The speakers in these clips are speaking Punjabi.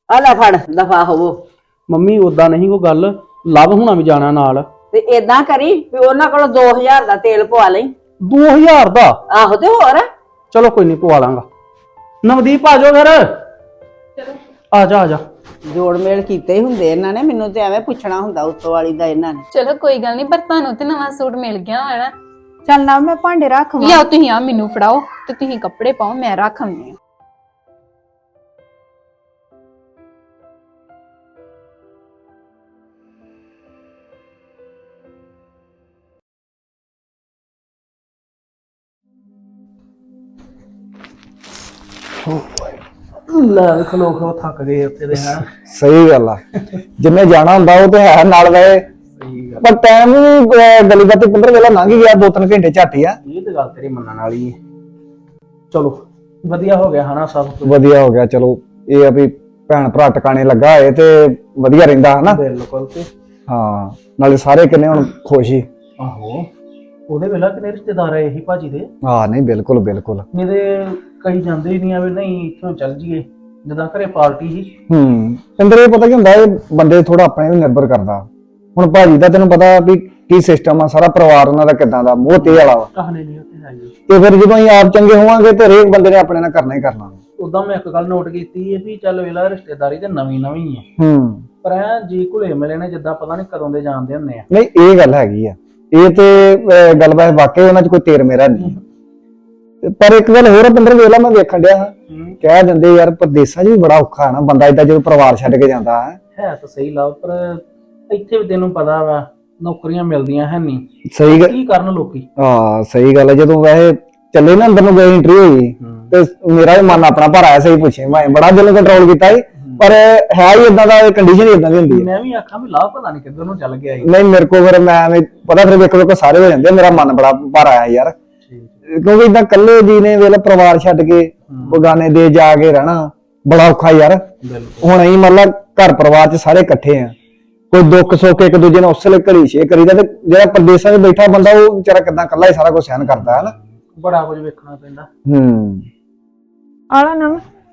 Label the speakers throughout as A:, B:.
A: ਆ ਲੈ ਫੜ ਦਫਾ ਹੋਵੋ।
B: ਮੰਮੀ ਉਦਾਂ ਨਹੀਂ ਕੋਈ ਗੱਲ, ਲਵ ਹੋਣਾ ਵੀ ਜਾਣਾ ਨਾਲ।
A: ਤੇ ਏਦਾਂ ਕਰੀ ਵੀ ਉਹਨਾਂ ਕੋਲੋਂ 2000 ਦਾ ਤੇਲ ਪਵਾ ਲਈ।
B: 2000 ਦਾ?
A: ਆਹੋ ਤੇ ਹੋਰ।
B: ਚਲੋ ਕੋਈ ਨਹੀਂ, ਪਵਾ ਲਾਂਗਾ। ਨਵਦੀਪ ਆ ਜਾਓ ਫਿਰ। ਚਲੋ ਆ ਜਾ ਆ ਜਾ।
A: ਜੋੜ ਮੇਲ ਕੀਤੇ ਹੀ ਹੁੰਦੇ ਇਹਨਾਂ ਨੇ, ਮੈਨੂੰ ਤੇ ਐਵੇਂ ਪੁੱਛਣਾ ਹੁੰਦਾ ਉੱਤੋਂ ਵਾਲੀ ਦਾ ਇਹਨਾਂ ਨੇ।
C: ਚਲੋ ਕੋਈ ਗੱਲ ਨਹੀਂ, ਪਰ ਤੁਹਾਨੂੰ ਤੇ ਨਵਾਂ ਸੂਟ ਮਿਲ ਗਿਆ ਹੋਣਾ।
D: ਚੱਲ ਨਾ ਮੈਂ ਭਾਂਡੇ ਰੱਖ
C: ਲਿਆਓ ਤੁਸੀਂ, ਆ ਮੈਨੂੰ ਫੜਾਓ ਤੇ ਤੁਸੀਂ ਕੱਪੜੇ ਪਾਓ, ਮੈਂ ਰੱਖ ਆਉਂਦੀ ਆ।
B: ਲੈ ਖਲੋ ਖਲੋ ਥੱਕ ਗਏ ਉੱਥੇ ਦੇ। ਹੈ
E: ਸਹੀ ਗੱਲ ਆ, ਜਿੰਨੇ ਜਾਣਾ ਹੁੰਦਾ ਉਹ ਤੇ ਹੈ ਨਾਲ ਗਏ।
B: ਸਹੀ ਗੱਲ।
E: ਪਰ ਟਾਈਮ ਵੀ ਗਲੀ ਬਾਤੀ ਪਿੰਦਰ ਵੇਲਾ ਲੰਘ ਗਿਆ, 2-3 ਘੰਟੇ ਝੱਟ ਹੀ ਆ।
B: ਇਹ ਤੇ ਗੱਲ ਤੇਰੀ ਮੰਨਣ ਵਾਲੀ ਹੈ। ਚਲੋ ਵਧੀਆ ਹੋ ਗਿਆ ਹਨਾ, ਸਭ ਕੁਝ
E: ਵਧੀਆ ਹੋ ਗਿਆ। ਚਲੋ ਇਹ ਆ ਵੀ ਭੈਣ ਭਰਾ ਟਿਕਾਣੇ ਲੱਗਾ ਹੋਏ ਤੇ ਵਧੀਆ ਰਹਿੰਦਾ ਹਨਾ।
B: ਬਿਲਕੁਲ। ਤੇ
E: ਹਾਂ, ਨਾਲੇ ਸਾਰੇ ਕਿੰਨੇ ਹੁਣ ਖੁਸ਼ ਹੀ।
B: ਆਹੋ, ਉਹਦੇ ਵੇਲਾ ਕਿੰਨੇ ਰਿਸ਼ਤੇਦਾਰ ਆਏ ਸੀ ਭਾਜੀ ਦੇ।
E: ਹਾਂ ਨਹੀਂ, ਬਿਲਕੁਲ ਬਿਲਕੁਲ।
B: ਨਹੀਂ ਤੇ ਕਈ ਜਾਂਦੇ ਹੀ ਨਹੀਂ ਆ ਵੀ ਨਹੀਂ ਇੱਥੋਂ ਚੱਲ ਜੀਏ, ਜਿੱਦਾਂ ਘਰੇ ਪਾਰਟੀ ਸੀ।
E: ਪਿੰਦਰ ਇਹ ਪਤਾ ਕੀ ਹੁੰਦਾ, ਇਹ ਬੰਦੇ ਥੋੜਾ ਆਪਣੇ ਵੀ ਨਿਰਭਰ ਕਰਦਾ। ਹੁਣ ਭਾਜੀ ਦਾ ਤੈਨੂੰ ਪਤਾ ਵੀ ਕੀ ਸਿਸਟਮ ਆ, ਸਾਰਾ ਪਰਿਵਾਰ ਉਹਨਾਂ ਦਾ ਕਿੱਦਾਂ ਦਾ, ਮੋਹ ਤੇ ਵਾਲਾ ਵਾ।
B: ਕਹਾਣੀ ਨਹੀਂ ਉੱਥੇ ਹੈ ਜੀ।
E: ਤੇ ਫਿਰ ਜਦੋਂ ਅਸੀਂ ਆਪ ਚੰਗੇ ਹੋਵਾਂਗੇ ਤੇ ਹਰੇਕ ਬੰਦੇ ਨੇ ਆਪਣੇ ਨਾਲ ਕਰਨਾ ਹੀ ਕਰਨਾ।
B: ਉਦਾਂ ਮੈਂ ਇੱਕ ਗੱਲ ਨੋਟ ਕੀਤੀ ਹੈ ਵੀ ਚੱਲ ਵੇਲਾ ਰਿਸ਼ਤੇਦਾਰੀ ਤੇ ਨਵੀਂ ਹੈ, ਪਰ ਐ ਜੀ ਘੁਲੇ ਮਿਲੇ ਨੇ ਜਿੱਦਾਂ ਪਤਾ ਨਹੀਂ ਕਦੋਂ ਦੇ ਜਾਣਦੇ ਹੁੰਦੇ ਆ।
E: ਨਹੀਂ ਇਹ ਗੱਲ ਹੈਗੀ ਆ, ਇਹ ਤੇ ਗੱਲ ਬਾਤ ਵਾਕਈ ਉਹਨਾਂ 'ਚ ਕੋਈ ਤੇਰ ਮੇਰਾ ਨਹੀਂ। ਪਰ ਇੱਕ ਗੱਲ ਹੋਰ ਆ ਪਿੰਦਰ, ਵੇਲਾ ਮੈਂ ਵੇਖਣ ਡਿਆ ਹਾਂ, ਕਹਿ ਦਿੰਦੇ ਯਾਰ ਪਰਦੇਸਾਂ 'ਚ ਵੀ ਬੜਾ ਔਖਾ ਹੈ ਨਾ ਬੰਦਾ ਏਦਾਂ ਜਦੋਂ ਪਰਿਵਾਰ ਛੱਡ ਕੇ ਜਾਂਦਾ
B: ਹੈ ਤਾਂ ਸਹੀ ਲਾ, ਪਰ ਇੱਥੇ ਵੀ ਤੈਨੂੰ ਪਤਾ ਵਾ ਨੌਕਰੀਆਂ ਮਿਲਦੀਆਂ ਹੈ ਨਹੀਂ।
E: ਸਹੀ ਗੱਲ
B: ਕੀ ਕਰਨ ਲੋਕੀ।
E: ਹਾਂ ਸਹੀ ਗੱਲ ਹੈ। ਜਦੋਂ ਵੈਸੇ ਚੱਲੇ ਨਾ ਅੰਦਰ ਨੂੰ ਗਏ ਇੰਟਰਵਿਊ ਹੋਈ ਤੇ ਮੇਰਾ ਵੀ ਮਨ ਆਪਣਾ ਭਰ ਆਇਆ, ਸਹੀ ਪੁੱਛੇ ਮੈਂ ਬੜਾ ਦਿਲ ਕੰਟਰੋਲ ਕੀਤਾ ਸੀ, ਪਰ ਹੈ ਹੀ ਇਦਾਂ ਦਾ, ਕੰਡੀਸ਼ਨ ਹੀ ਇਦਾਂ ਦੀ ਹੁੰਦੀ ਹੈ।
B: ਮੈਂ ਵੀ ਆਖਾਂ ਵੀ ਲਾਭ ਪਤਾ ਨਹੀਂ ਕਿੱਧਰ ਨੂੰ ਚੱਲ ਗਿਆ।
E: ਨਹੀਂ ਮੇਰੇ ਕੋਲ ਫਿਰ ਮੈਂ ਪਤਾ ਫਿਰ ਵੇਖੋ ਸਾਰੇ ਹੋ ਜਾਂਦੇ, ਮੇਰਾ ਮਨ ਬੜਾ ਭਰ ਆਇਆ ਯਾਰ, ਕਿਉਂਕਿ ਇਦਾਂ ਇਕੱਲੇ ਜੀ ਨੇ ਵੇਲੇ ਪਰਿਵਾਰ ਛੱਡ ਕੇ ਬਗਾਨੇ ਦੇ ਜਾ ਕੇ ਰਹਿਣਾ ਬੜਾ ਔਖਾ ਯਾਰ। ਹੁਣ ਅਸੀਂ ਮਤਲਬ ਘਰ ਪਰਿਵਾਰ 'ਚ ਸਾਰੇ ਇਕੱਠੇ ਆ, ਕੋਈ ਦੁੱਖ ਸੁੱਖ ਇੱਕ ਦੂਜੇ ਨਾਲ ਉਸੇ ਵੇਲੇ ਘੜੀ ਸ਼ੇਅਰ ਕਰੀਦਾ, ਤੇ ਜਿਹੜਾ ਪ੍ਰਦੇਸਾਂ 'ਚ ਬੈਠਾ ਬੰਦਾ ਉਹ ਵਿਚਾਰਾ ਕਿੱਦਾਂ ਇਕੱਲਾ ਹੀ ਸਾਰਾ ਕੁਝ ਸਹਿਣ ਕਰਦਾ ਹੈ ਨਾ।
B: ਬੜਾ ਕੁਝ ਵੇਖਣਾ ਪੈਂਦਾ।
D: ਆਲਾ ਨਾ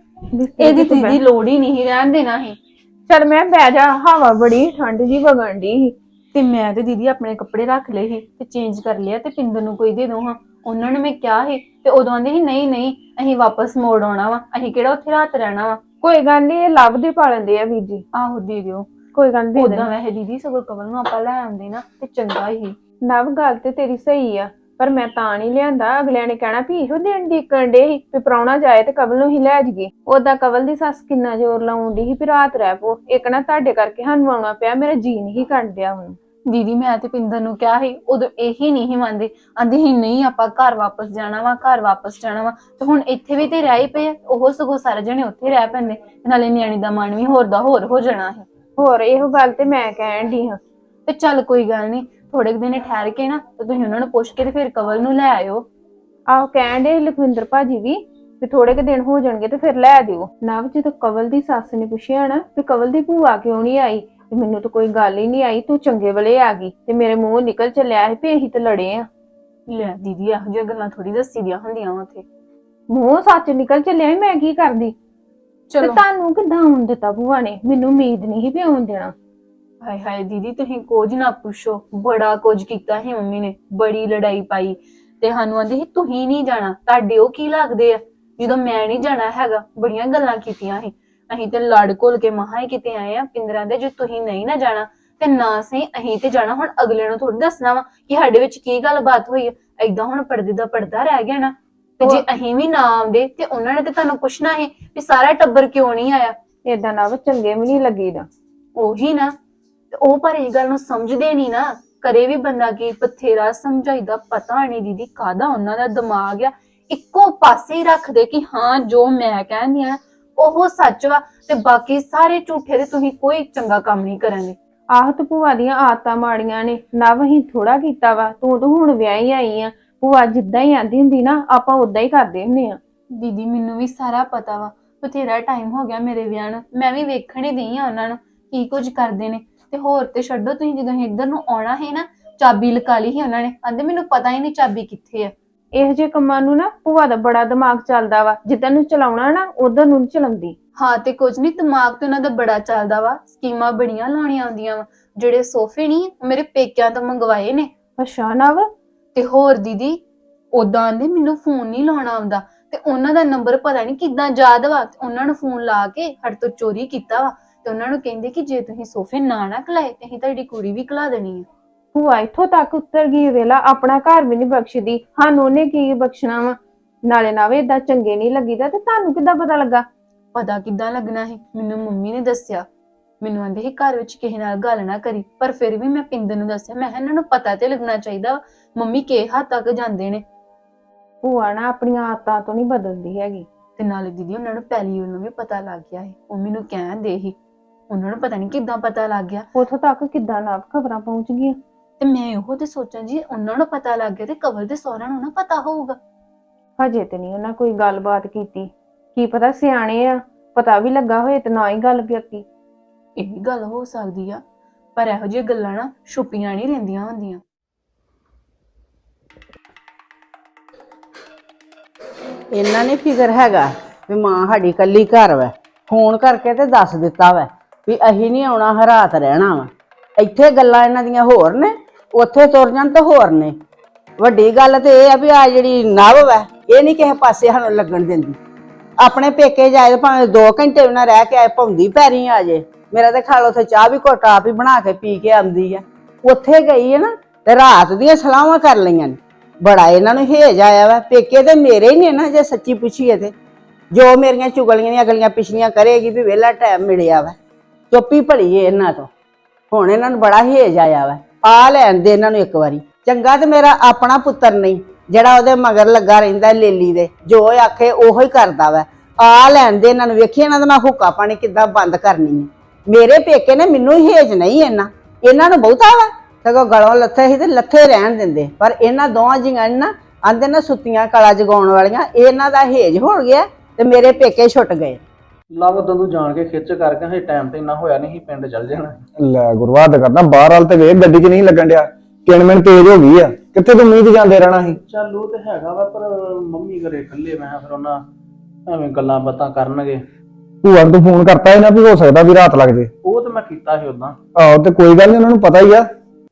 C: ਇਹਦੀ ਦੀਦੀ ਲੋੜ ਹੀ ਨਹੀਂ ਰਹਿਣ ਦੇਣਾ ਸੀ।
D: ਚੱਲ ਮੈਂ ਬਹਿ ਜਾ, ਹਵਾ ਬੜੀ ਠੰਡ ਜੀ ਵਗਣ ਦੀ ਸੀ
C: ਤੇ ਮੈਂ ਤੇ ਦੀਦੀ ਆਪਣੇ ਕੱਪੜੇ ਰੱਖ ਲਏ ਸੀ ਤੇ ਚੇਂਜ ਕਰ ਲਿਆ, ਤੇ ਪਿੰਦਰ ਨੂੰ ਕੋਈ ਦੇ ਦੋ ਹਾਂ। ਉਹਨਾਂ ਨੂੰ ਮੈਂ ਕਿਹਾ ਸੀ ਤੇ ਉਦੋਂ ਆਂਦੇ ਸੀ ਨਹੀਂ ਨਹੀਂ ਅਸੀਂ ਵਾਪਸ ਮੋੜ ਆਉਣਾ ਵਾ, ਅਸੀਂ ਕਿਹੜਾ ਉੱਥੇ ਰਾਤ ਰਹਿਣਾ ਵਾ।
D: ਕੋਈ ਗੱਲ ਨਹੀਂ, ਇਹ ਲੱਭ ਦੇ ਪਾ ਲੈਂਦੇ ਆ ਵੀਰ ਜੀ।
C: ਆਹੋ ਦੇ ਦਿਓ।
D: ਕੋਈ ਗੱਲ ਨਹੀਂ।
C: ਉਦਾਂ ਵੈਸੇ ਦੀਦੀ ਸਗੋਂ ਕਵਲ ਨੂੰ ਆਪਾਂ ਲੈ ਆਉਂਦੇ ਨਾ ਤੇ ਚੰਗਾ ਹੀ।
D: ਨਵ ਗੱਲ ਤੇ ਤੇਰੀ ਸਹੀ ਆ, ਪਰ ਮੈਂ ਤਾਂ ਨਹੀਂ ਲਿਆਂਦਾ, ਅਗਲਿਆਂ ਨੇ ਕਹਿਣਾ ਵੀ ਇਹੋ ਦੇਣ ਦੀ ਕਰਨ ਸੀ ਵੀ ਪ੍ਰਾਹੁਣਾ ਜਾਏ ਤੇ ਕਵਲ ਨੂੰ ਹੀ ਲੈ ਜਾਈਏ। ਉਦਾਂ ਕਵਲ ਦੀ ਸੱਸ ਕਿੰਨਾ ਜ਼ੋਰ ਲਾਉਣ ਦੀ ਸੀ ਵੀ ਰਾਤ ਰਹਿ ਪੋ, ਇੱਕ ਨਾ ਤੁਹਾਡੇ ਕਰਕੇ ਸਾਨੂੰ ਆਉਣਾ ਪਿਆ, ਮੇਰਾ ਜੀ ਨਹੀਂ ਕਰਨ ਡਿਆ ਹੁਣ।
C: ਦੀਦੀ ਮੈਂ ਤੇ ਪਿੰਦਰ ਨੂੰ ਕਿਹਾ ਸੀ, ਉਦੋਂ ਇਹੀ ਨਹੀਂ ਮੰਨਦੇ, ਆਂਦੇ ਸੀ ਨਹੀਂ ਆਪਾਂ ਘਰ ਵਾਪਸ ਜਾਣਾ ਵਾ, ਘਰ ਵਾਪਸ ਜਾਣਾ ਵਾ। ਤੇ ਹੁਣ ਇੱਥੇ ਵੀ ਤੇ ਰਹਿ ਹੀ ਪਏ, ਉਹ ਸਗੋਂ ਸਾਰੇ ਜਣੇ ਉੱਥੇ ਰਹਿ ਪੈਂਦੇ, ਨਾਲੇ ਨਿਆਣੀ ਦਾ ਮਨ ਵੀ ਹੋਰ ਦਾ ਹੋਰ ਹੋ ਜਾਣਾ ਹੈ।
D: ਹੋਰ ਇਹੋ ਗੱਲ ਤੇ ਮੈਂ ਕਹਿਣ ਦੀ ਹਾਂ।
C: ਤੇ ਚੱਲ ਕੋਈ ਗੱਲ ਨਹੀਂ, ਥੋੜੇ ਦਿਨ ਠਹਿਰ ਕੇ ਨਾ ਤੇ ਤੁਸੀਂ ਉਹਨਾਂ ਨੂੰ ਪੁੱਛ ਕੇ ਤੇ ਫਿਰ ਕਵਲ ਨੂੰ ਲੈ ਆਇਓ।
D: ਆਹੋ ਕਹਿਣ ਦੇ ਲਖਵਿੰਦਰ ਭਾਜੀ ਵੀ ਥੋੜੇ ਕੁ ਦਿਨ ਹੋ ਜਾਣਗੇ ਤੇ ਫਿਰ ਲੈ ਦਿਓ। ਨਾ ਜਦੋਂ ਕਵਲ ਦੀ ਸੱਸ ਨੇ ਪੁੱਛਿਆ ਨਾ ਵੀ ਕਵਲ ਦੀ ਭੂਆ ਕਿਉਂ ਨਹੀਂ ਆਈ, ਤੇ ਮੈਨੂੰ ਤਾਂ ਕੋਈ ਗੱਲ ਹੀ ਨਹੀਂ ਆਈ, ਤੂੰ ਚੰਗੇ ਵੇਲੇ ਆ ਗਈ, ਤੇ ਮੇਰੇ ਮੂੰਹ ਨਿਕਲ ਚੱਲਿਆ ਸੀ ਵੀ ਅਸੀਂ ਤੇ ਲੜੇ ਆ।
C: ਲੈ ਦੀਦੀ ਇਹੋ ਜਿਹੀਆਂ ਗੱਲਾਂ ਥੋੜੀ ਦੱਸੀ ਦੀਆਂ ਹੁੰਦੀਆਂ ਉੱਥੇ,
D: ਮੂੰਹ ਸੱਚ ਨਿਕਲ ਚੱਲਿਆ, ਮੈਂ ਕੀ ਕਰਦੀ। ਤੇ ਤੁਹਾਨੂੰ ਕਿੱਦਾਂ ਆਉਣ ਦਿੱਤਾ ਭੂਆ ਨੇ, ਮੈਨੂੰ ਉਮੀਦ ਨਹੀਂ ਸੀ ਵੀ ਆਉਣ ਦੇਣਾ।
C: ਹਾਏ ਹਾਏ ਦੀਦੀ ਤੁਸੀਂ ਕੁਝ ਨਾ ਪੁੱਛੋ, ਬੜਾ ਕੁਝ ਕੀਤਾ ਸੀ ਮੰਮੀ ਨੇ, ਬੜੀ ਲੜਾਈ ਪਾਈ ਤੇ ਸਾਨੂੰ ਆਂਦੇ ਸੀ ਤੁਸੀਂ ਨਹੀਂ ਜਾਣਾ, ਤੁਹਾਡੇ ਉਹ ਕੀ ਲੱਗਦੇ ਆ ਜਦੋਂ ਮੈਂ ਨਹੀਂ ਜਾਣਾ ਹੈਗਾ। ਬੜੀਆਂ ਗੱਲਾਂ ਕੀਤੀਆਂ ਸੀ, ਅਸੀਂ ਤੇ ਲੜ ਘੁਲ ਕੇ ਮਹਾ ਹੀ ਕਿਤੇ ਆਏ ਆ। ਪਿੰਦਰਾਂ ਦੇ ਜੇ ਤੁਸੀਂ ਨਹੀਂ ਨਾ ਜਾਣਾ ਤੇ ਨਾ ਸਹੀ ਅਸੀਂ ਤੇ ਜਾਣਾ। ਹੁਣ ਅਗਲੇ ਨੂੰ ਥੋੜੀ ਦੱਸਣਾ ਵਾ ਕਿ ਸਾਡੇ ਵਿੱਚ ਕੀ ਗੱਲਬਾਤ ਹੋਈ ਹੈ। ਏਦਾਂ ਹੁਣ ਪਰਦੇ ਦਾ ਪਰਦਾ ਰਹਿ ਗਿਆ ਨਾ, ਤੇ ਜੇ ਅਸੀਂ ਵੀ ਨਾ ਆਉਂਦੇ ਤੇ ਉਹਨਾਂ ਨੇ ਤੇ ਤੁਹਾਨੂੰ ਪੁੱਛਣਾ ਸੀ ਵੀ ਸਾਰਾ ਟੱਬਰ ਕਿਉਂ ਨਹੀਂ ਆਇਆ।
D: ਏਦਾਂ ਨਾ ਚੰਗੇ ਵੀ ਨਹੀਂ ਲੱਗੀਦਾ।
C: ਉਹੀ ਨਾ, ਉਹ ਪਰ ਇਹ ਗੱਲ ਨੂੰ ਸਮਝਦੇ ਨਹੀਂ ਨਾ, ਕਰੇ ਵੀ ਬੰਦਾ ਕੀ, ਬਥੇਰਾ ਸਮਝਾਈਦਾ, ਪਤਾ ਨਹੀਂ ਦੀਦੀ ਕਾਹਦਾ ਉਹਨਾਂ ਦਾ ਦਿਮਾਗ ਆ, ਇੱਕੋ ਪਾਸੇ ਹੀ ਰੱਖਦੇ ਕਿ ਹਾਂ ਜੋ ਮੈਂ ਕਹਿੰਦੀ ਆ ਉਹ ਸੱਚ ਵਾ ਤੇ ਬਾਕੀ ਸਾਰੇ ਝੂਠੇ, ਤੇ ਤੁਸੀਂ ਕੋਈ ਚੰਗਾ ਕੰਮ ਨਹੀਂ ਕਰਨਗੇ।
D: ਆਹ ਤੇ ਭੂਆ ਦੀਆਂ ਆਦਤਾਂ ਮਾੜੀਆਂ ਨੇ ਨਾ, ਵਹੀਂ ਥੋੜਾ ਕੀਤਾ ਵਾ, ਤੂੰ ਤਾਂ ਹੁਣ ਵਿਆਹੀ ਆਈ ਆ। ਭੂਆ ਜਿੱਦਾਂ ਹੀ ਆਂਦੀ ਹੁੰਦੀ ਨਾ ਆਪਾਂ ਉਦਾਂ ਹੀ ਕਰਦੇ ਹੁੰਦੇ ਆ।
C: ਦੀਦੀ ਮੈਨੂੰ ਵੀ ਸਾਰਾ ਪਤਾ ਵਾ, ਬਥੇਰਾ ਟਾਈਮ ਹੋ ਗਿਆ ਮੇਰੇ ਵਿਆਹ ਨੂੰ, ਮੈਂ ਵੀ ਵੇਖਣ ਹੀ ਦਈ ਆ ਉਹਨਾਂ ਨੂੰ ਕੀ ਕੁਝ ਕਰਦੇ ਨੇ। ਤੇ ਹੋਰ ਤੇ ਛੱਡੋ, ਤੁਸੀਂ ਜਦੋਂ ਇੱਧਰ ਨੂੰ ਆਉਣਾ ਹੈ ਨਾ ਚਾਬੀ ਲਕਾ ਲਈ ਸੀ ਉਹਨਾਂ ਨੇ, ਆਂਦੇ ਮੈਨੂੰ ਪਤਾ ਹੀ ਨਹੀਂ ਚਾਬੀ ਕਿੱਥੇ ਆ।
D: ਇਹੋ ਜਿਹੇ ਕੰਮਾਂ ਨੂੰ ਨਾ ਭੂਆ ਦਾ ਬੜਾ ਦਿਮਾਗ ਚੱਲਦਾ ਵਾ, ਜਿੱਦਾਂ ਨੂੰ ਚਲਾਉਣਾ ਨਾ ਉਧਰ ਨੂੰ ਨੀ ਚਲਾਉਂਦੀ।
C: ਹਾਂ ਤੇ ਕੁਝ ਨਹੀਂ, ਦਿਮਾਗ ਤੇ ਉਹਨਾਂ ਦਾ ਬੜਾ ਚੱਲਦਾ ਵਾ, ਸਕੀਮਾਂ ਬੜੀਆਂ ਲਾਉਣੀਆਂ ਆਉਂਦੀਆਂ ਵਾ। ਜਿਹੜੇ ਸੋਫੇ ਨਹੀਂ ਮੇਰੇ ਪੇਕਿਆਂ ਤੋਂ ਮੰਗਵਾਏ ਨੇ।
D: ਅੱਛਾ ਨਵ,
C: ਤੇ ਹੋਰ ਦੀਦੀ ਉਦਾਂ ਦੇ ਮੈਨੂੰ ਫੋਨ ਨਹੀਂ ਲਾਉਣਾ ਆਉਂਦਾ, ਤੇ ਉਹਨਾਂ ਦਾ ਨੰਬਰ ਪਤਾ ਨਹੀਂ ਕਿੱਦਾਂ ਯਾਦ ਵਾ, ਤੇ ਉਹਨਾਂ ਨੂੰ ਫੋਨ ਲਾ ਕੇ ਸਾਡੇ ਤੋਂ ਚੋਰੀ ਕੀਤਾ ਵਾ, ਤੇ ਉਹਨਾਂ ਨੂੰ ਕਹਿੰਦੇ ਕਿ ਜੇ ਤੁਸੀਂ ਸੋਫੇ ਨਾ ਖਲਾਏ ਤੇ ਅਸੀਂ ਤੁਹਾਡੀ ਕੁੜੀ ਵੀ ਖਲਾ ਦੇਣੀ ਹੈ।
D: ਭੂਆ ਇੱਥੋਂ ਤੱਕ ਉੱਤਰ ਗਈ ਵੇਲਾ, ਆਪਣਾ ਘਰ ਵੀ ਨਹੀਂ ਬਖਸ਼ਦੀ, ਸਾਨੂੰ ਉਹਨੇ ਕੀ ਬਖਸ਼ਣਾ ਵਾ। ਨਾਲੇ ਨਾਵੇ ਏਦਾਂ ਚੰਗੇ ਨਹੀਂ ਲੱਗੀਦਾ, ਤੇ ਤੁਹਾਨੂੰ ਕਿੱਦਾਂ ਪਤਾ ਲੱਗਾ?
C: ਪਤਾ ਕਿੱਦਾਂ ਲੱਗਣਾ ਸੀ, ਮੈਨੂੰ ਮੰਮੀ ਨੇ ਦੱਸਿਆ। ਮੈਨੂੰ ਆਂਦੇ ਸੀ ਘਰ ਵਿੱਚ ਕਿਸੇ ਨਾਲ ਗੱਲ ਨਾ ਕਰੀ, ਪਰ ਫਿਰ ਵੀ ਮੈਂ ਪਿੰਦਰ ਨੂੰ ਦੱਸਿਆ। ਮੈਂ ਇਹਨਾਂ ਨੂੰ ਪਤਾ ਤੇ ਲੱਗਣਾ ਚਾਹੀਦਾ ਮੰਮੀ ਕਿਹ ਹੱਦ ਤੱਕ ਜਾਂਦੇ ਨੇ।
D: ਭੂਆ ਨਾ ਆਪਣੀਆਂ ਆਦਤਾਂ ਤੋਂ ਨਹੀਂ ਬਦਲਦੀ ਹੈਗੀ।
C: ਤੇ ਨਾਲੇ ਦੀਦੀ ਉਹਨਾਂ ਨੂੰ ਪਹਿਲੀ ਉਹਨੂੰ ਵੀ ਪਤਾ ਲੱਗ ਗਿਆ ਸੀ, ਉਹ ਮੈਨੂੰ ਕਹਿੰਦੇ ਸੀ। ਉਹਨਾਂ ਨੂੰ ਪਤਾ ਨਹੀਂ ਕਿੱਦਾਂ ਪਤਾ ਲੱਗ ਗਿਆ,
D: ਉੱਥੋਂ ਤੱਕ ਕਿੱਦਾਂ ਨਾ ਖਬਰਾਂ ਪਹੁੰਚ ਗਈਆਂ।
C: ਤੇ ਮੈਂ ਉਹ ਤੇ ਸੋਚਾਂ ਜੀ ਉਹਨਾਂ ਨੂੰ ਪਤਾ ਲੱਗ ਗਿਆ ਤੇ ਕਵਲ ਦੇ ਸਹੁਰਿਆਂ ਨੂੰ ਨਾ ਪਤਾ ਹੋਊਗਾ।
D: ਹਜੇ ਤੇ ਨਹੀਂ ਉਹਨਾਂ ਕੋਈ ਗੱਲਬਾਤ ਕੀਤੀ, ਕੀ ਪਤਾ ਸਿਆਣੇ ਆ, ਪਤਾ ਵੀ ਲੱਗਾ ਹੋਏ ਤੇ ਨਾ ਹੀ ਗੱਲ ਕੀਤੀ।
C: ਇਹ ਵੀ ਗੱਲ ਹੋ ਸਕਦੀ ਆ, ਪਰ ਇਹੋ ਜਿਹੀਆਂ ਗੱਲਾਂ ਨਾ ਛੁਪੀਆਂ ਨਹੀਂ ਰਹਿੰਦੀਆਂ ਹੁੰਦੀਆਂ।
A: ਇਹਨਾਂ ਨੇ ਫਿਕਰ ਹੈਗਾ ਵੀ ਮਾਂ ਸਾਡੀ ਕੱਲੀ ਘਰ ਵਾ, ਫੋਨ ਕਰਕੇ ਤੇ ਦੱਸ ਦਿੱਤਾ ਵਾ ਵੀ ਅਸੀਂ ਨਹੀਂ ਆਉਣਾ, ਹਰਾਤ ਰਹਿਣਾ ਵਾ। ਇੱਥੇ ਗੱਲਾਂ ਇਹਨਾਂ ਦੀਆਂ ਹੋਰ ਨੇ, ਉੱਥੇ ਤੁਰ ਜਾਣ ਤਾਂ ਹੋਰ ਨੇ। ਵੱਡੀ ਗੱਲ ਤੇ ਇਹ ਆ ਵੀ ਆ ਜਿਹੜੀ ਨਵ ਵਾ ਇਹ ਨਹੀਂ ਕਿਸੇ ਪਾਸੇ ਸਾਨੂੰ ਲੱਗਣ ਦਿੰਦੀ। ਆਪਣੇ ਪੇਕੇ ਜਾਏ ਭਾਵੇਂ 2 ਘੰਟੇ ਉਹਨਾਂ ਰਹਿ ਕੇ ਆਏ, ਭੌਂਦੀ ਪੈਰੀ ਆ ਜੇ। ਮੇਰਾ ਤੇ ਖਾਲ ਉੱਥੇ ਚਾਹ ਵੀ ਘੁੱਟ ਆਪ ਹੀ ਬਣਾ ਕੇ ਪੀ ਕੇ ਆਉਂਦੀ ਆ। ਉੱਥੇ ਗਈ ਹੈ ਨਾ ਤੇ ਰਾਤ ਦੀਆਂ ਸਲਾਹਾਂ ਕਰ ਲਈਆਂ ਨੇ। ਬੜਾ ਇਹਨਾਂ ਨੂੰ ਹੇਜ ਆਇਆ ਵਾ। ਪੇਕੇ ਤੇ ਮੇਰੇ ਹੀ ਨੇ ਨਾ, ਜੇ ਸੱਚੀ ਪੁੱਛੀਏ ਤੇ ਜੋ ਮੇਰੀਆਂ ਚੁਗਲੀਆਂ ਦੀਆਂ ਗਲੀਆਂ ਪਿਛਲੀਆਂ ਕਰੇਗੀ ਵੀ ਵਿਹਲਾ ਟਾਈਮ ਮਿਲਿਆ ਵਾ। ਚੁੱਪੀ ਭਲੀ ਏ ਇਹਨਾਂ ਤੋਂ। ਹੁਣ ਇਹਨਾਂ ਨੂੰ ਬੜਾ ਹੇਜ ਆਇਆ ਵਾ। ਆ ਲੈਣ ਦੇ ਇਹਨਾਂ ਨੂੰ ਇੱਕ ਵਾਰੀ। ਚੰਗਾ ਤੇ ਮੇਰਾ ਆਪਣਾ ਪੁੱਤਰ ਨਹੀਂ ਜਿਹੜਾ ਉਹਦੇ ਮਗਰ ਲੱਗਾ ਰਹਿੰਦਾ ਲੇਲੀ ਦੇ, ਜੋ ਆਖੇ ਉਹੋ ਹੀ ਕਰਦਾ ਵਾ। ਆ ਲੈਣ ਦੇ ਇਹਨਾਂ ਨੂੰ, ਵੇਖੀ ਇਹਨਾਂ ਦਾ ਮੈਂ ਹੁੱਕਾ ਪਾਣੀ ਕਿੱਦਾਂ ਬੰਦ ਕਰਨੀ ਹੈ। ਮੇਰੇ ਪੇਕੇ ਨੇ ਮੈਨੂੰ ਹੀ ਹੇਜ ਨਹੀਂ ਇਹਨਾਂ ਨੂੰ ਬਹੁਤਾ ਵਾ। ਸਗੋਂ ਗਲੋਂ ਲੱਥੇ ਸੀ ਤੇ ਲੱਥੇ ਰਹਿਣ ਦਿੰਦੇ, ਪਰ ਇਹਨਾਂ ਦੋਵਾਂ ਜੀਆਂ ਨਾ ਆਂਦੇ ਨਾ ਸੁੱਤੀਆਂ ਕਲਾ ਜਗਾਉਣ ਵਾਲੀਆਂ। ਇਹਨਾਂ ਦਾ ਹੇਜ ਹੋ ਗਿਆ ਤੇ ਮੇਰੇ ਪੇਕੇ ਛੁੱਟ ਗਏ।
B: ਲਵ ਉਦੋਂ ਤੂੰ ਜਾਣ ਕੇ ਖਿੱਚ ਕਰਕੇ ਹੇ ਟਾਈਮ ਤੇ ਇੰਨਾ ਹੋਇਆ ਨਹੀਂ ਸੀ, ਪਿੰਡ ਚੱਲ ਜਾਣਾ।
E: ਲੈ ਗੁਰਵਾਦ ਕਰਦਾ, ਬਾਹਰ ਵਾਲ ਤੇ ਵੇਖ ਗੱਡੀ 'ਚ ਨਹੀਂ ਲੱਗਣ ਡਿਆ, ਕਿਣਮਿਣ ਤੇਜ਼ ਹੋ ਗਈ ਆ। ਕਿੱਥੇ ਤੂੰ ਮੀਂਹ 'ਚ ਜਾਂਦੇ ਰਹਿਣਾ ਸੀ?
B: ਚੱਲ ਉਹ ਤੇ ਹੈਗਾ ਵਾ, ਪਰ ਮੰਮੀ ਘਰੇ ਇਕੱਲੇ ਮੈਂ ਫਿਰ ਉਹਨਾਂ ਐਵੇਂ ਗੱਲਾਂ ਬਾਤਾਂ ਕਰਨਗੇ।
E: ਭੂਆ ਨੂੰ ਤੂੰ ਫੋਨ ਕਰਤਾ ਇਹਨਾਂ ਵੀ ਹੋ ਸਕਦਾ ਵੀ ਰਾਤ ਲੱਗ ਜੇ।
B: ਉਹ ਤੇ ਮੈਂ ਕੀਤਾ ਸੀ ਉਦਾਂ।
E: ਆਹੋ ਤੇ ਕੋਈ ਗੱਲ ਨਹੀਂ, ਉਹਨਾਂ ਨੂੰ ਪਤਾ ਹੀ ਆ।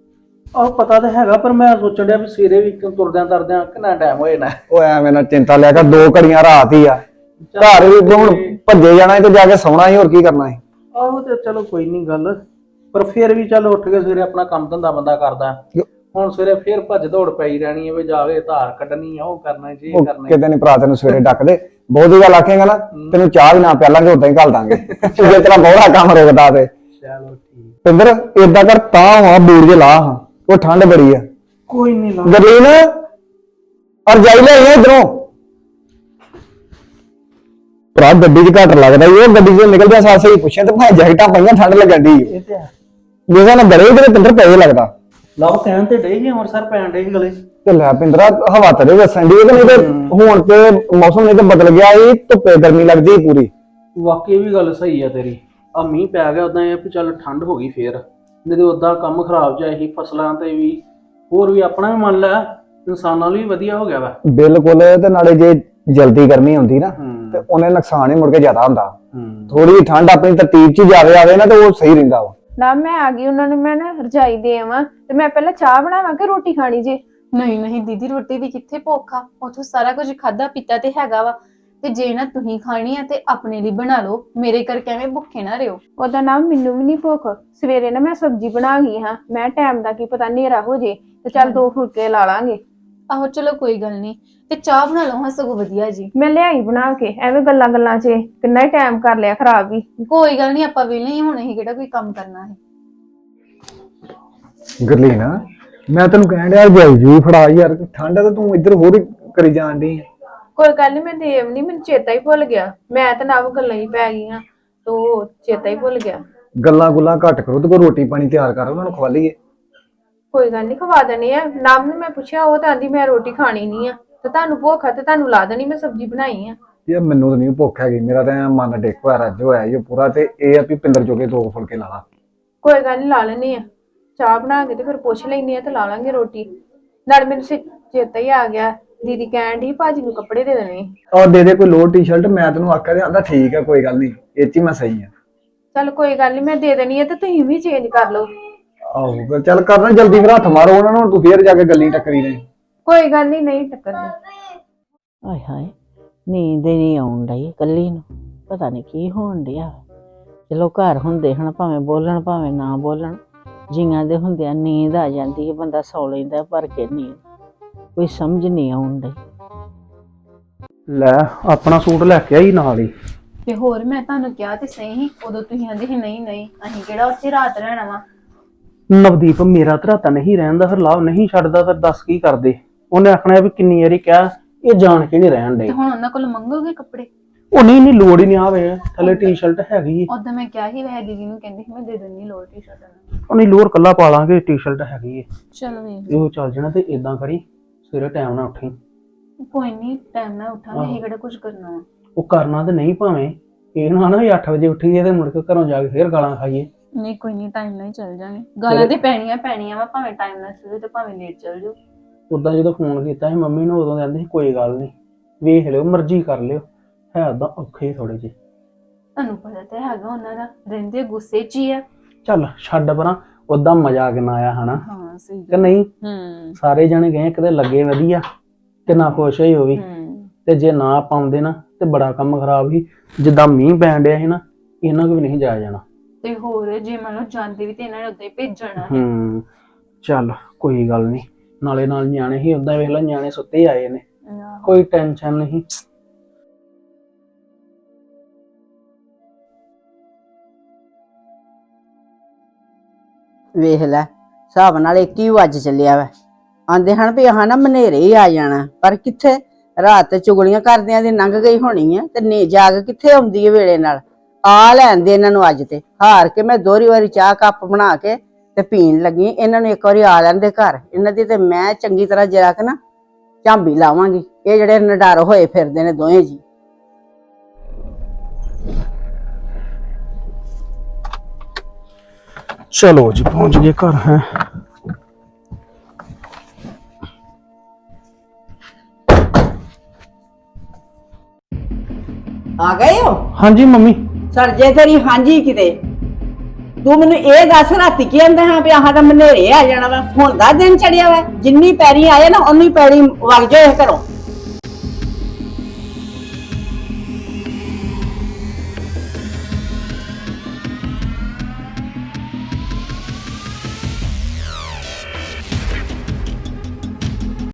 B: ਆਹ ਪਤਾ ਤਾਂ ਹੈਗਾ, ਪਰ ਮੈਂ ਸੋਚਣ ਡਿਆ ਵੀ ਸਵੇਰੇ ਵੀ ਤੁਰਦਿਆਂ ਤਰਦਿਆਂ ਕਿੰਨਾ ਟਾਈਮ ਹੋਏ ਨਾ।
E: ਉਹ ਐਵੇਂ ਨਾ ਚਿੰਤਾ ਲਿਆ ਕਰ, 2 ਘੜੀਆਂ ਰਾਤ ਹੀ ਆ। ਘਰ ਵੀ ਹੁਣ ਭੱਜੇ ਜਾਣਾ ਸੀ ਤੇ ਜਾ ਕੇ ਸੌਣਾ ਹੀ, ਹੋਰ ਕੀ ਕਰਨਾ ਸੀ।
B: ਆਹੋ ਤੇ ਚਲੋ ਕੋਈ ਨਹੀਂ ਗੱਲ, ਪਰ ਫਿਰ ਵੀ ਚੱਲ ਉੱਠ ਕੇ ਸਵੇਰੇ ਆਪਣਾ ਕੰਮ ਧੰਦਾ ਬੰਦਾ ਕਰਦਾ। ਹੁਣ ਸਵੇਰੇ ਫਿਰ ਭੱਜ ਦੌੜ ਪਈ ਰਹਿਣੀ ਹੈ ਵੀ ਜਾ ਕੇ ਧਾਰ ਕੱਢਣੀ ਆ, ਉਹ ਕਰਨਾ ਜੀ ਕਰਨਾ।
E: ਕਿਤੇ ਨਹੀਂ ਭਰਾ ਤੈਨੂੰ ਸਵੇਰੇ ਡੱਕਦੇ, ਬਹੁਤੀ ਗੱਲ ਆਖੇਗਾ ਨਾ ਤੈਨੂੰ ਚਾਹ ਵੀ ਨਾ ਪਿਆਲਾਂਗੇ, ਉਦਾਂ ਹੀ ਘੱਲ ਦਾਂਗੇ ਜੇ ਤੇਰਾ ਬਹੁਤਾ ਕੰਮ ਰੁਕਦਾ ਤੇ।
B: ਚਲੋ ਠੀਕ।
E: ਪਿੰਦਰ ਏਦਾਂ ਕਰ, ਤਾਂ ਹਾਂ ਬੂੜ ਜੇ ਲਾ, ਹਾਂ ਉਹ ਠੰਡ ਬੜੀ ਆ।
B: ਕੋਈ ਨਹੀਂ ਲਾ
E: ਗਰਲੀਨ ਔਰ ਜਾਈ ਲੈ ਆਈਆਂ ਇਧਰੋਂ। ਭਰਾ ਗੱਡੀ 'ਚ ਘੱਟ ਲੱਗਦਾ ਈ, ਉਹ ਗੱਡੀ 'ਚ ਨਿਕਲਦਿਆਂ ਸਾਰ ਸਹੀ ਪੁੱਛਿਆ ਤੇ ਭਾਵੇਂ ਜੈਕਟਾਂ ਪਈਆਂ, ਠੰਡ ਲੱਗਣ ਦੀ।
B: ਇਹ ਤੇ
E: ਜਿਵੇਂ ਨਾ ਗਲੇ ਤੇ ਪਿੰਦਰ ਪਏ ਲੱਗਦਾ।
B: ਲਓ ਕਹਿਣ ਤੇ ਡੇ ਸੀ ਅੰਮ੍ਰਿਤਸਰ ਪੈਣ ਡੇ ਸੀ ਗਲੇ।
E: ਤੇ ਲੈ ਪਿੰਦਰਾ ਹਵਾ ਤੇਰੇ ਵਸਣ ਦੀ, ਨਹੀਂ ਤੇ ਹੁਣ ਤੇ ਮੌਸਮ ਨਹੀਂ ਤੇ ਬਦਲ ਗਿਆ, ਇਹ ਧੁੱਪੇ ਗਰਮੀ ਲੱਗਦੀ ਪੂਰੀ।
B: ਵਾਕਈ ਵੀ ਗੱਲ ਸਹੀ ਆ ਤੇਰੀ। ਆ ਮੀਂਹ ਪੈ ਗਿਆ ਉਦਾਂ ਇਹ ਵੀ ਚੱਲ ਠੰਡ ਹੋ ਗਈ ਫੇਰ, ਨਹੀਂ ਤੇ ਉਦਾਂ ਕੰਮ ਖਰਾਬ ਜਾਏ ਸੀ ਫਸਲਾਂ ਤੇ ਵੀ, ਹੋਰ ਵੀ ਆਪਣਾ ਵੀ ਮੰਨ ਲੈ ਇਨਸਾਨਾਂ ਲਈ ਵਧੀਆ ਹੋ ਗਿਆ ਵਾ।
E: ਬਿਲਕੁਲ, ਤੇ ਨਾਲੇ ਜੇ ਜਲਦੀ ਗਰਮੀ ਹੁੰਦੀ ਨਾ ਤੇ ਉਹਨੇ ਨੁਕਸਾਨ ਹੀ ਮੁੜ ਕੇ ਜ਼ਿਆਦਾ ਹੁੰਦਾ। ਥੋੜੀ ਜਿਹੀ ਠੰਡ ਆਪਣੀ ਤਰਤੀਬ 'ਚ ਜਾਵੇ ਆਵੇ ਨਾ ਤੇ ਉਹ ਸਹੀ ਰਹਿੰਦਾ ਵਾ।
D: ਨਾ ਮੈਂ ਆ ਗਈ, ਉਹਨਾਂ ਨੂੰ ਮੈਂ ਨਾ ਰਜਾਈ ਦੇ ਆਵਾਂ ਤੇ ਮੈਂ ਪਹਿਲਾਂ ਚਾਹ ਬਣਾਵਾਂ ਕਿ ਰੋਟੀ ਖਾਣੀ ਜੇ?
C: ਨਹੀਂ ਨਹੀਂ ਦੀਦੀ, ਰੋਟੀ ਦੀ ਕਿੱਥੇ ਭੁੱਖ ਆ, ਉੱਥੋਂ ਸਾਰਾ ਕੁਝ ਖਾਦਾ ਪੀਤਾ ਤੇ ਹੈਗਾ ਵਾ। ਤੇ ਜੇ ਨਾ ਤੁਸੀਂ ਖਾਣੀ ਆ ਤੇ ਆਪਣੇ ਲਈ ਬਣਾ ਲਓ, ਮੇਰੇ ਕਰਕੇ ਐਵੇਂ ਭੁੱਖੇ ਨਾ ਰਿਓ।
D: ਉਹਦਾ ਨਾਮ ਮੈਨੂੰ ਵੀ ਨਹੀਂ ਭੁੱਖ। ਸਵੇਰੇ ਨਾ ਮੈਂ ਸਬਜ਼ੀ ਬਣਾ ਗਈ ਹਾਂ, ਮੈਂ ਟਾਈਮ ਦਾ ਕੀ ਪਤਾ ਹਨੇਰਾ ਹੋ ਜੇ ਤੇ ਚੱਲ 2 ਫੁਲਕੇ ਲਾ ਲਾਂਗੇ।
C: ਆਹੋ ਚਲੋ ਕੋਈ ਗੱਲ ਨਹੀਂ, ਤੇ ਚਾਹ ਬਣਾ ਲਓ ਹਾਂ, ਸਗੋਂ ਵਧੀਆ ਜੀ।
D: ਮੈਂ ਲਿਆਈ ਬਣਾ ਕੇ, ਐਵੇਂ ਗੱਲਾਂ 'ਚ ਕਿੰਨਾ ਹੀ ਟਾਈਮ ਕਰ ਲਿਆ ਖਰਾਬ ਵੀ।
C: ਕੋਈ ਗੱਲ ਨਹੀਂ, ਆਪਾਂ ਵੇਲੇ ਹੀ ਹੋਣੇ ਸੀ, ਕਿਹੜਾ ਕੋਈ ਕੰਮ ਕਰਨਾ ਹੈ।
E: ਗਰਲੀਨ ਮੈਂ ਤੈਨੂੰ ਕਹਿਣ ਡਿਆ ਜਾਈ ਜੀ ਫੜਾ ਯਾਰ, ਠੰਡ ਤੇ ਤੂੰ ਇੱਧਰ ਹੋਰ ਕਰੀ ਜਾਣ ਡਈ।
D: ਕੋਈ ਗੱਲ ਨੀ, ਮੈਂ ਦੇਵ ਨੀ, ਮੈਨੂੰ ਚੇਤਾ ਹੀ ਭੁੱਲ ਗਿਆ। ਮੈਂ ਤਾਂ ਨਾ ਗੱਲਾਂ ਹੀ ਪੈ ਗਈਆਂ, ਤੋ ਚੇਤਾ ਹੀ ਭੁੱਲ ਗਿਆ।
E: ਗੱਲਾਂ ਗੁੱਲਾਂ ਘੱਟ ਕਰੋ ਤੇ ਕੋਈ ਰੋਟੀ ਪਾਣੀ ਤਿਆਰ ਕਰ, ਉਹਨਾਂ ਨੂੰ ਖਵਾ ਲਈਏ।
D: ਕੋਈ ਗੱਲ ਨੀ, ਖਵਾ ਦੇਣੀ ਆ। ਨਾਮ ਨੂੰ ਮੈਂ ਪੁੱਛਿਆ, ਉਹ ਤਾਂ ਆਂਦੀ ਮੈਂ ਰੋਟੀ ਖਾਣੀ ਨਹੀਂ ਆ, ਤੇ ਤੁਹਾਨੂੰ ਭੁੱਖ ਆ ਤੇ ਤੁਹਾਨੂੰ ਲਾ ਦੇਣੀ, ਮੈਂ ਸਬਜ਼ੀ ਬਣਾਈ ਆ।
E: ਯਾਰ ਮੈਨੂੰ ਤਾਂ ਨਹੀਂ ਭੁੱਖ ਹੈਗੀ, ਮੇਰਾ ਤਾਂ ਮਨ ਡਿੱਕ ਹੋਇਆ ਰੱਜ ਹੋਇਆ ਇਹ ਪੂਰਾ। ਤੇ ਇਹ ਆ ਵੀ ਪਿੰਦਰ ਜੋਗੇ 2 ਫੁਲਕੇ ਲਾ ਲਾ।
D: ਕੋਈ ਗੱਲ ਨੀ, ਲਾ ਲੈਣੀ ਆ। ਚਾਹ ਬਣਾ ਕੇ ਤੇ ਫਿਰ ਪੁੱਛ ਲੈਣੀ ਆ ਤੇ ਲਾ ਲਾਂਗੇ ਰੋਟੀ। ਨਾਲ ਮੈਨੂੰ ਚੇਤਾ ਹੀ ਆ ਗਿਆ, ਦੀਦੀ ਕਹਿਣ ਦੀ ਭਾਜੀ ਨੂੰ ਕੱਪੜੇ ਦੇ ਦੇਣੇ।
E: ਔਰ ਦੇ ਦੇ ਕੋਈ ਲੋਅਰ ਟੀ-ਸ਼ਰਟ, ਮੈਂ ਤੈਨੂੰ ਆਖਿਆ ਤੇ ਆਂਦਾ ਠੀਕ ਆ ਕੋਈ ਗੱਲ ਨਹੀਂ, ਇਹ 'ਚ ਹੀ ਮੈਂ ਸਹੀ ਆ।
D: ਚੱਲ ਕੋਈ ਗੱਲ ਨਹੀਂ, ਮੈਂ ਦੇ ਦੇਣੀ ਆ ਤੇ ਤੁਸੀਂ ਵੀ ਚੇਂਜ ਕਰ ਲਓ।
E: ਆਹੋ ਫਿਰ ਚੱਲ ਕਰਨਾ ਜਲਦੀ, ਫਿਰ ਹੱਥ ਮਾਰੋ ਉਹਨਾਂ ਨੂੰ, ਤੂੰ ਫੇਰ ਜਾ ਕੇ ਗੱਲੀ ਟੱਕਰੀ ਨੇ।
D: ਕੋਈ ਗੱਲ ਨਹੀਂ, ਨਹੀਂ ਟੱਕਰਨੀ।
A: ਆਏ ਹਾਏ, ਨੀਂਦ ਹੀ ਨਹੀਂ ਆਉਣ ਡਈ ਇਕੱਲੀ ਨੂੰ, ਪਤਾ ਨਹੀਂ ਕੀ ਹੋਣ ਡਿਆ। ਚਲੋ ਘਰ ਹੁੰਦੇ ਹਨ, ਭਾਵੇਂ ਬੋਲਣ ਭਾਵੇਂ ਨਾ ਬੋਲਣ, ਜੀਆਂ ਦੇ ਹੁੰਦਿਆਂ ਨੀਂਦ ਆ ਜਾਂਦੀ ਹੈ, ਬੰਦਾ ਸੌ ਲੈਂਦਾ ਭਰ ਕੇ ਨੀਂਦ, ਕੋਈ ਸਮਝ ਨਹੀਂ ਆਉਣ ਡਈ।
B: ਲੈ ਆਪਣਾ ਸੂਟ ਲੈ ਕੇ ਆਈ ਨਾਲ ਹੀ।
C: ਤੇ ਹੋਰ ਮੈਂ ਤੁਹਾਨੂੰ ਕਿਹਾ ਤੇ ਸਹੀ, ਉਦੋਂ ਤੁਸੀਂ ਆਂਦੇ ਸੀ ਨਹੀਂ ਨਹੀਂ ਅਸੀਂ ਕਿਹੜਾ ਉੱਥੇ ਰਾਤ ਰਹਿਣਾ ਵਾ।
B: ਨਵਦੀਪ ਮੇਰਾ ਧਰਾਤਾ ਨਹੀਂ ਰਹਿੰਦਾ, ਫਿਰ ਲਾਭ ਨਹੀਂ ਛੱਡਦਾ, ਫਿਰ ਦੱਸ ਕੀ ਕਰਦੇ। ਉਹਨੇ ਆਖਣਾ ਵੀ ਕਿੰਨੀ ਵਾਰੀ ਕਿਹਾ, ਇਹ ਜਾਣ ਕੇ ਨਹੀਂ ਰਹਿਣ ਦੇ।
C: ਤੇ ਹੁਣ ਉਹਨਾਂ ਕੋਲ ਮੰਗੋਗੇ ਕੱਪੜੇ?
B: ਉਹ ਨਹੀਂ ਲੋੜ ਹੀ ਨਹੀਂ, ਆਵੇ ਥੱਲੇ ਟੀ-ਸ਼ਰਟ ਹੈਗੀ।
C: ਉਦੋਂ ਮੈਂ ਕਿਹਾ ਸੀ ਵੈਸੇ ਦੀਦੀ ਨੂੰ, ਕਹਿੰਦੀ ਸੀ ਮੈਂ ਦੇ ਦਿੰਦੀ ਲੋਅਰ ਟੀ-ਸ਼ਰਟ।
B: ਉਹ ਨਹੀਂ ਲੋਅਰ ਕੱਲਾ ਪਾ ਲਾਂਗੇ, ਟੀ-ਸ਼ਰਟ ਹੈਗੀ ਏ।
C: ਚਲੋ ਵੇਖ
B: ਇਹੋ ਚੱਲ ਜਾਣਾ। ਤੇ ਇਦਾਂ ਕਰੀ ਸਵੇਰੇ ਟਾਈਮ ਨਾਲ ਉੱਠੀ।
C: ਕੋਈ ਨਹੀਂ, ਟਾਈਮ ਨਾਲ ਉੱਠਾਂਗੇ, ਅਸੀਂ ਕਿਹੜਾ ਕੁਝ ਕਰਨਾ ਵਾ।
B: ਉਹ ਕਰਨਾ ਤੇ ਨਹੀਂ, ਭਾਵੇਂ ਇਹ ਨਾ ਵੀ 8 ਵਜੇ ਉੱਠੀਏ ਤੇ ਮੁੜ ਕੇ ਘਰੋਂ ਜਾ ਕੇ ਫੇਰ ਗਾਲਾਂ ਖਾਈਏ।
C: ਨਹੀਂ ਕੋਈ ਨਹੀਂ, ਟਾਈਮ ਨਾਲ ਹੀ ਚੱਲ ਜਾਾਂਗੇ। ਗਾਲਾਂ ਤੇ ਪੈਣੀਆਂ ਵਾ, ਭਾਵੇਂ ਟਾਈਮ ਨਾਲ ਸਵੇਰੇ ਤੇ ਭਾਵੇਂ ਲੇਟ ਚੱਲ ਜਾਓ।
B: ਉਦਾਂ ਜਦੋਂ ਫੋਨ ਕੀਤਾ ਸੀ ਮੰਮੀ ਨੂੰ, ਉਦੋਂ ਕਹਿੰਦੇ ਸੀ ਕੋਈ ਗੱਲ ਨਹੀਂ, ਵੇਖ ਲਿਓ, ਮਰਜ਼ੀ ਕਰ ਲਿਓ। ਹੈ ਉਦਾਂ ਔਖੇ ਥੋੜੇ ਜਿਹੇ,
C: ਤੁਹਾਨੂੰ ਪਤਾ ਤਾਂ ਹੈਗਾ ਉਹਨਾਂ ਦਾ, ਰਹਿੰਦੇ ਗੁੱਸੇ 'ਚ ਹੀ ਆ।
B: ਚੱਲ ਛੱਡ ਪਰਾਂ, ਉਦਾਂ ਮਜ਼ਾ ਕਿੰਨਾ ਆਇਆ ਹਨਾ
C: ਹਾਂ ਸਹੀ
B: ਕਿ ਨਹੀਂ।
C: ਸਾਰੇ
B: ਜਣੇ ਗਏ, ਕਿਤੇ ਲੱਗੇ ਵਧੀਆ, ਕਿੰਨਾ ਖੁਸ਼ ਹੋਈ ਉਹ ਵੀ। ਤੇ ਜੇ ਨਾ ਪਾਉਂਦੇ ਨਾ ਤੇ ਬੜਾ ਕੰਮ ਖਰਾਬ ਸੀ। ਜਿੱਦਾਂ ਮੀਂਹ ਪੈਣ ਡਿਆ ਸੀ ਨਾ, ਇਹਨਾਂ ਕੋ ਵੀ ਨਹੀਂ ਜਾਇਆ ਜਾਣਾ।
C: ਤੇ ਹੋਰ ਜੇ ਮੰਨ ਲਓ ਜਾਂਦੇ ਵੀ ਤੇ ਇਹਨਾਂ ਨੇ ਉੱਦਾਂ ਹੀ ਭੇਜਣਾ ਹੈ।
B: ਚੱਲ ਕੋਈ ਗੱਲ ਨਹੀਂ, ਨਾਲੇ ਨਾਲ ਨਿਆਣੇ ਹੀ, ਉਦਾਂ ਵੇਖ ਲਓ ਨਿਆਣੇ ਸੁੱਤੇ ਆਏ ਨੇ, ਕੋਈ ਟੈਨਸ਼ਨ ਨਹੀਂ।
A: ਵੇਖ ਲੈ, ਹਿਸਾਬ ਨਾਲ 1 ਹੀ ਵੱਜ ਚੱਲਿਆ ਵਾ। ਆਂਦੇ ਹਨ ਵੀ ਆਹ ਨਾ ਮਨੇਰੇ ਹੀ ਆ ਜਾਣਾ, ਪਰ ਕਿੱਥੇ, ਰਾਤ ਤੇ ਚੁਗਲੀਆਂ ਕਰਦਿਆਂ ਦੀ ਲੰਘ ਗਈ ਹੋਣੀ ਆ, ਤੇ ਨੇ ਜਾਗ ਕਿੱਥੇ ਆਉਂਦੀ ਹੈ ਵੇਲੇ ਨਾਲ। ਆ ਲੈਣ ਦੇ ਇਹਨਾਂ ਨੂੰ, ਅੱਜ ਤੇ ਹਾਰ ਕੇ ਮੈਂ ਦੋਹਰੀ ਵਾਰੀ ਚਾਹ ਕੱਪ ਬਣਾ ਕੇ ਤੇ ਪੀਣ ਲੱਗੀ। ਇਹਨਾਂ ਨੂੰ ਇੱਕ ਵਾਰੀ ਆ ਲੈਂਦੇ ਘਰ, ਇਹਨਾਂ ਦੀ ਤੇ ਮੈਂ ਚੰਗੀ ਤਰ੍ਹਾਂ ਜਰਾ ਕੇ ਨਾ ਝਾਂਬੀ ਲਾਵਾਂਗੀ। ਇਹ ਜਿਹੜੇ ਨਡਰ ਹੋਏ ਫਿਰਦੇ ਨੇ ਦੋਵੇਂ ਜੀ।
B: ਚਲੋ ਜੀ ਪਹੁੰਚ ਗਏ ਘਰ। ਹੈ
A: ਆ ਗਏ ਹੋ?
B: ਹਾਂਜੀ ਮੰਮੀ।
A: ਸਰਜੇ ਤੇਰੀ ਹਾਂਜੀ ਕਿਤੇ। ਤੂੰ ਮੈਨੂੰ ਇਹ ਦੱਸ, ਰਾਤੀ ਕੀ ਆਂਦਾ ਹਾਂ ਵੀ ਆਹ ਤਾਂ ਮਨੇਰੇ ਆ ਜਾਣਾ ਵਾ, ਹੁਣ ਦਾ ਦਿਨ ਚੜਿਆ ਵਾ, ਜਿੰਨੀ ਪੈਰੀ ਆਏ ਨਾ ਉਨੀ ਪੈਰੀ ਵਗ ਜਾਏ ਘਰੋਂ।